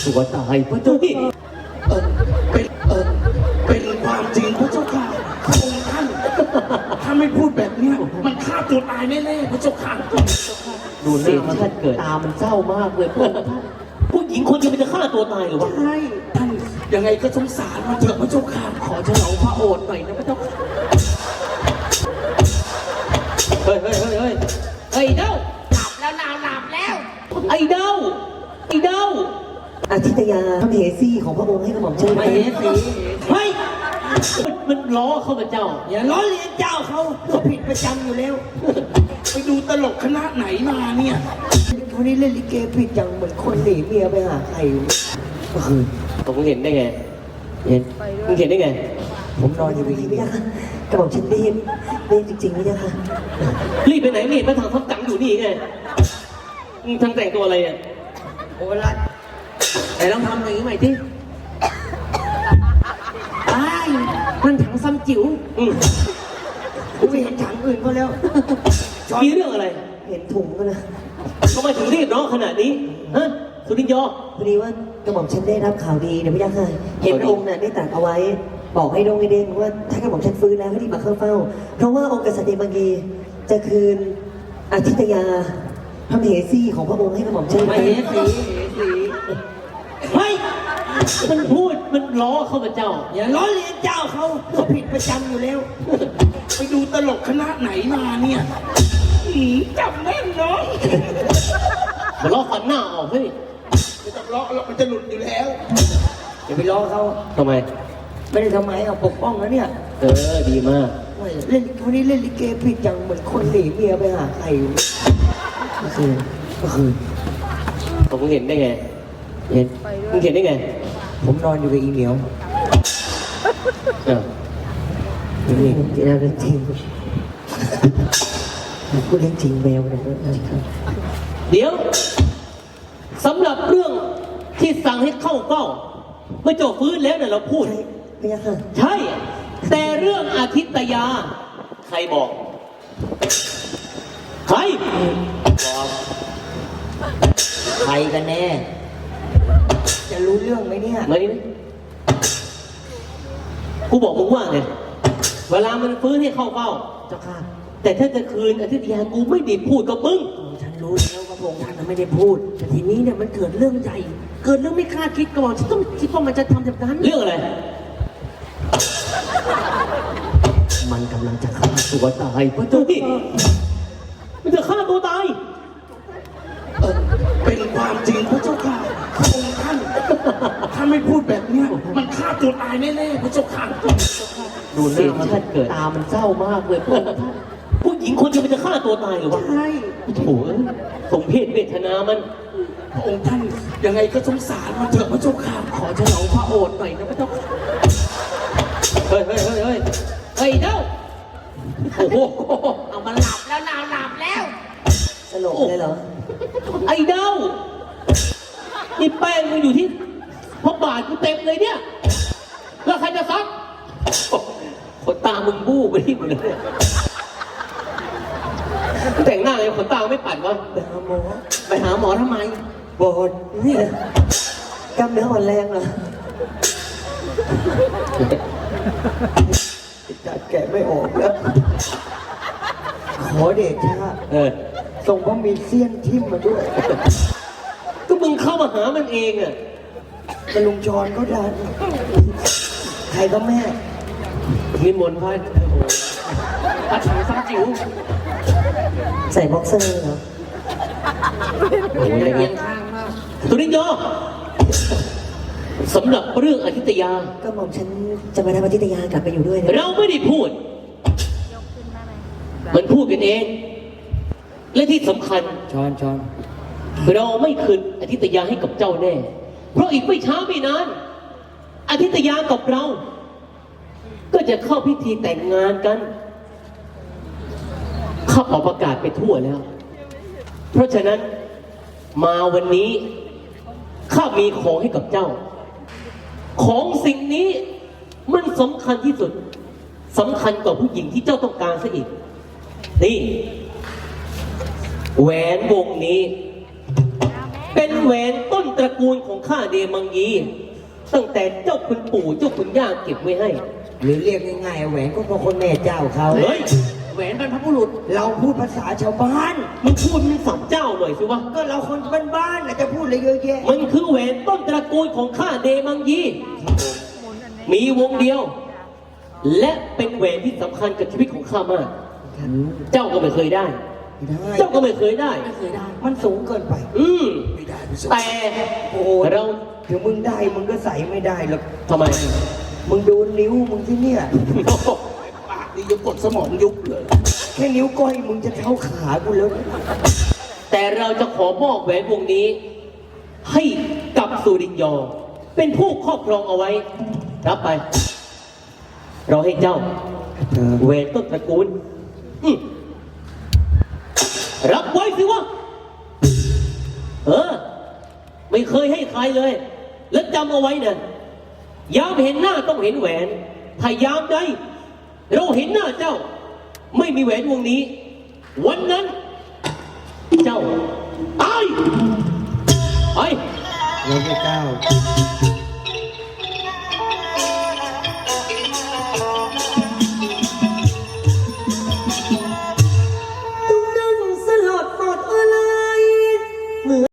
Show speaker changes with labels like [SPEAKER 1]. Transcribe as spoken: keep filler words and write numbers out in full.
[SPEAKER 1] ตัวตายพระเจ้าพี่
[SPEAKER 2] เออเป็นเออเป็นความจริงพระเจ้าค่ะพระองค์ท่านถ้าไม่พูดแบบเนี้ยมันฆ่าตัวตายแน่ๆพระเจ้าค่ะ
[SPEAKER 1] ดูหน้ามันเกิดตามันเศร้ามากเลยพระองค์ท่านผู้หญิงคนเดียวมันจะฆ่าตัวตายหรือวะ
[SPEAKER 2] ใช่ท่านยังไงก็สงสารมันเถอะพระเจ้าค่ะขอเฉลาพระโอษฐ์หน่อยนะพระเจ้าค่ะ
[SPEAKER 1] เฮ้ยเฮ้ยเฮ้ยเฮ้ยไอ้เด้า
[SPEAKER 3] หลับแล้วนาวหลับแล้ว
[SPEAKER 1] ไอ้เด้าไอ้เด้า
[SPEAKER 4] อาทิตยาพระมเหสีของพระองค์ให้กระหม่อมเชิญ
[SPEAKER 1] ไม่
[SPEAKER 4] ไป
[SPEAKER 1] เห็นสิเฮ้ยมันมันล้อเข้ามาเจ้า
[SPEAKER 2] อย่าล้อเลียนเจ้าเขาเขาผิดประจำอยู่แล้ว ไปดูตลกคณะไหนมาเนี่ย
[SPEAKER 4] วันนี้เล่นลิเกผิดจังเหมือนคนหนีเมียไปหาใครก็คือ
[SPEAKER 1] ผมเห็นได้ไงเห็นมึงเห็นได้ไง
[SPEAKER 4] ผมนอนอยู่ดีไม่ได้ค่ะกระหม่อมฉันได้ยินได้ยินจริงๆไม่ได้ค่ะ
[SPEAKER 1] รีบไปไหนไม่เห็นมาทางทับกังอยู่นี่ไงมึงทางแต่งตัวอะไรเนี่ย
[SPEAKER 2] โอ้ละไหนลองทำอย่างนี้ใหม่ที่ไอ้ายมันถังซ้ำจิ๋ว
[SPEAKER 1] อืม
[SPEAKER 2] กูไม่เห็นถังอื่นก็แล้ว
[SPEAKER 1] มีเรื่องอะไร
[SPEAKER 4] เห็นถุงก็นะ
[SPEAKER 1] ทำไมถึงรีบร้องขนาดนี้ฮะสุรินทร์ยอ
[SPEAKER 4] พอดีว่ากระหม่อมฉันได้รับข่าวดีเดี๋ยวไม่ได้ค่ะเห็นพระองค์น่ะได้ตรัสเอาไว้ บอกให้ดงให้เด้งว่าถ้ากระหม่อมฉันฟื้นแล้วให้รีบมาเข้าเฝ้า เพราะว่าองค์กษัตริย์เดมังกีจะคืนอาทิตยาพระมเหสีของพระองค์ให้กระหม่อมฉันไป
[SPEAKER 1] ไม่เห็นสิเฮ้ยมันพูดมันล้อเข้ามาเจ้า
[SPEAKER 2] อย่าล้อเลียนเจ้าเขาเขาผิดประจำอยู่แล้ว ไปดูตลกคณะไหนมาเนี่ยหืมจำแม่นเนาะ
[SPEAKER 1] มันล้อฟันหน้าออกเฮ้ย
[SPEAKER 2] ไม่ต้องล้อหรอกมันจะหลุดอยู่แล้ว
[SPEAKER 4] อย่าไปล้อเขา
[SPEAKER 1] ทำไม
[SPEAKER 4] ไม่ได้ทำไมเอาปกป้องแล้วเนี่ย
[SPEAKER 1] เออดีมาก
[SPEAKER 4] เล่นวันนี้เล่นลิเกผิดจังเหมือนคนหนีเมียไปหาใครก็คือก็คือ
[SPEAKER 1] ผมเห็นได้ไงเห็นมึงเห็นได้ไง
[SPEAKER 4] ผมนอนอยู่กับอีเหมียว
[SPEAKER 1] อ่ะ
[SPEAKER 4] นี่จริงเรื่องจริงพูดเรื่องจริงแมวนะ
[SPEAKER 1] เดี๋ยวสำหรับเรื่องที่สั่งให้เข้าเฝ้าเมื่อเจ้าฟื้นแล้วเนี่ยเราพูด
[SPEAKER 4] ใช่ไม่ยากค่ะ
[SPEAKER 1] ใช่ แต่เรื่องอาทิตยา ใครบอก ใครบอก
[SPEAKER 4] ใครกันแน่ จะรู้เรื่องไหมเนี่ย
[SPEAKER 1] ไหมกูบอกมึงว่าไงเวลามันฟื้นให้เข้าเฝ้า
[SPEAKER 4] เจ้าค่ะ
[SPEAKER 1] แต่ถ้าจะคืนอาทิตยากูไม่ได้พูดกับมึง
[SPEAKER 4] ฉันรู้แล้วว่าพระองค์ท่านไม่ได้พูด แต่ทีนี้เนี่ยมันเกิดเรื่องใหญ่ เกิดเรื่องไม่คาดคิดก่อนฉันต้องคิดว่ามันจะทำแบบนั้น
[SPEAKER 1] เรื่องอะไร
[SPEAKER 4] มันกำลังจะฆ่า
[SPEAKER 1] ตัวตายพระเจ้าพี่มันจะฆ่าตัวตาย
[SPEAKER 2] เออเป็นความจริงพระเจ้าค่ะพระองค์ท่านถ้าไม่พูดแบบเนี้ยมันฆ่าตัวตายแน่ๆพระเจ้าค่ะ
[SPEAKER 1] ดูหน้ามันเกิดตามันเศร้ามากเลยพระองค์ท่านผู้หญิงคนเดียวมันจะฆ่าตัวตายหรือวะ
[SPEAKER 2] ใช่
[SPEAKER 1] โถ่สมเพศเวทนามัน
[SPEAKER 2] พระองค์ท่านยังไงก็สงสารมันเถอะพระเจ้าค่ะขอเฉลาพระโอษฐ์หน่อยนะพระเจ้าค่ะ
[SPEAKER 1] เฮ้ยเฮ้ยเฮ้ยเฮ้ยไอ้เด้าโอ้โห
[SPEAKER 3] เอามาหลับแล้วนาวหลับแล้ว
[SPEAKER 4] สลบเลยเหรอ
[SPEAKER 1] ไอ้เด้านี่แป้งมันอยู่ที่พระบาทกูเต็มเลยเนี่ย แล้วใครจะซักขนตามึงบู้ไปที่หมดเลยมึงแต่งหน้าไงขนตาไม่ปัดวะ
[SPEAKER 4] ไปหาหมอ
[SPEAKER 1] ไปหาหมอทำไม
[SPEAKER 4] บอดนี่นะกล้ามเนื้ออ่อนแรงเหรอจัดแกะไม่ออกแล้ว ขอเดชะ
[SPEAKER 1] เออ
[SPEAKER 4] ส่งพระมีเสี้ยนทิ่มมาด้วย
[SPEAKER 1] ก็มึงเข้ามาหามันเองอ่ะ
[SPEAKER 4] กระลุงชอนก็ดัน ใครก็แม่
[SPEAKER 1] นิมนต์พระพระถังซ้ำจิ๋ว
[SPEAKER 4] ใส่บ็อกเซอร์เหรอ
[SPEAKER 1] โอ้ยเอียงข้างมากสุรินทร์ยอสำหรับเรื่องอาทิตยา
[SPEAKER 4] ก็หม่อมฉันจะมาทำอาทิตยากลับไปอยู่ด้วยนะ
[SPEAKER 1] เราไม่ได้พูด มันพูดกันเอง และที่สำคัญ
[SPEAKER 4] ชอนชอน
[SPEAKER 1] เราไม่คืนอาทิตยาให้กับเจ้าแน่ เพราะอีกไม่ช้าไม่นานอาทิตยากับเรา ก็จะเข้าพิธีแต่งงานกันข้าออกประกาศไปทั่วแล้ว เพราะฉะนั้นมาวันนี้ข้ามีของให้กับเจ้า ของสิ่งนี้มันสำคัญที่สุดสำคัญกว่าผู้หญิงที่เจ้าต้องการซะอีก นี่แหวนวงนี้ เป็นแหแหวนต้นตระกูลของข้าเดมังยี ตั้งแต่เจ้าคุณปู่เจ้าคุณย่าเก็บไว้ให้
[SPEAKER 5] หรือเรียกง่ายๆแหวนก็เพราะคนแม่เจ้าเขา
[SPEAKER 1] เฮ้ย
[SPEAKER 3] แหวนบรรพบุรุษ
[SPEAKER 5] เราพูดภาษาชาวบ้าน
[SPEAKER 1] มึงพูดมึงสับเจ้าหน่อยสิวะ
[SPEAKER 5] ก็เราคนบ้านๆน่ะจะพูดอะไรเยอะแยะ
[SPEAKER 1] มันคือแหวนต้นตระกูลของข้าเดมังยี มีวงเดียว และเป็นแหวนที่สำคัญกับชีวิตของข้ามาก เจ้าก็ไม่เคยได้
[SPEAKER 5] ไม่ได้
[SPEAKER 1] เจ้าก็ไม่เคยได้
[SPEAKER 3] ไม่เคยได้
[SPEAKER 5] มันสูงเกินไป
[SPEAKER 1] อืม
[SPEAKER 2] ไม่ได้พี่เจ้า
[SPEAKER 1] แต่
[SPEAKER 5] โอ้โห
[SPEAKER 1] เรา
[SPEAKER 5] ถึงมึงได้มึงก็ใส่ไม่ได้หรอก
[SPEAKER 1] ทำไม
[SPEAKER 5] มึงดูนิ้วมึงที่เนี่ย
[SPEAKER 2] ปากนี่ยังกดสมองยุบเลย
[SPEAKER 5] แค่นิ้วก้อยมึงจะเท่าขากูแล้ว
[SPEAKER 1] แต่เราจะขอมอบแหวนวงนี้ ให้กับสุรินยอ เป็นผู้ครอบครองเอาไว้ รับไป เราให้เจ้าแหวนต้นตระกูลอืมรับไว้สิวะ เออ ไม่เคยให้ใครเลย แล้วจำเอาไว้นะยามเห็นหน้าต้องเห็นแหวน ถ้ายามใดเราเห็นหน้าเจ้า ไม่มีแหวนวงนี้ วันนั้น เจ้าตายไป
[SPEAKER 5] เราไม่กล้า